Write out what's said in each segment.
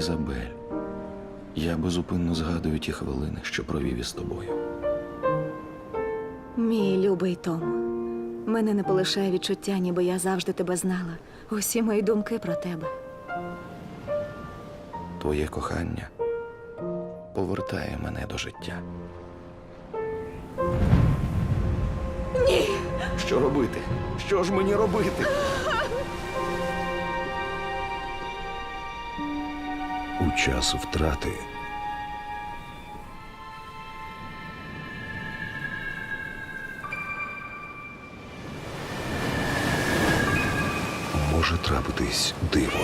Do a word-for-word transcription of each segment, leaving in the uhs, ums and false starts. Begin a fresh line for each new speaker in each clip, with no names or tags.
Ізабель, я безупинно згадую ті хвилини, що провів із тобою.
Мій любий Том, мене не полишає відчуття, ніби я завжди тебе знала. Усі мої думки про тебе.
Твоє кохання повертає мене до життя.
Ні!
Що робити? Що ж мені робити?
У час втрати може трапитись диво.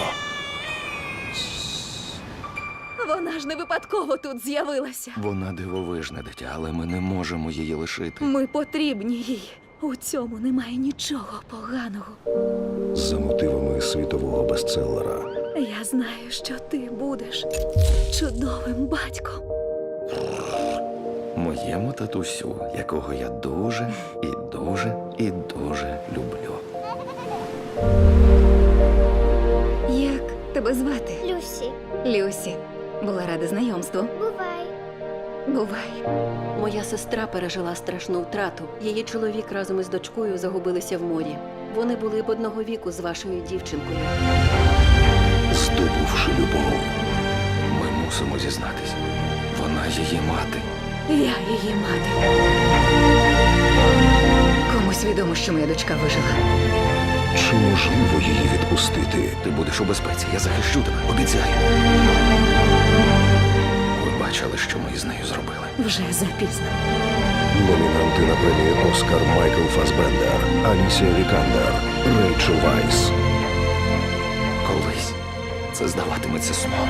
Вона ж не випадково тут з'явилася.
Вона дивовижне дитя, але ми не можемо її лишити.
Ми потрібні їй. У цьому немає нічого поганого.
За мотивами світового бестселера
Я знаю, що ти будеш чудовим батьком.
Моєму татусю, якого я дуже і дуже і дуже люблю.
Як тебе звати?
Люсі,
Люсі. Була рада знайомству.
бувай.
Бувай.
Моя сестра пережила страшну втрату. Її чоловік разом із дочкою загубилися в морі. Вони були б одного віку з вашою дівчинкою.
здобувши любов.
Ми мусимо зізнатись. Вона її мати.
Я її мати. Комусь відомо, що моя дочка вижила.
Чи можливо її відпустити?
Ти будеш у безпеці, я захищу тебе, обіцяю. Ви бачили, що ми із нею зробили.
Вже запізно.
Номінанти на премію Оскар Майкл Фасбендер, Алісія Вікандер, Рейчел Вайс.
Колись це здаватиметься сном.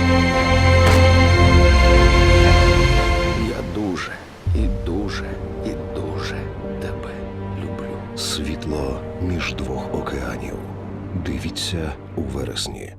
Я дуже і дуже і дуже тебе люблю.
Світло між двох океанів. Дивіться у вересні.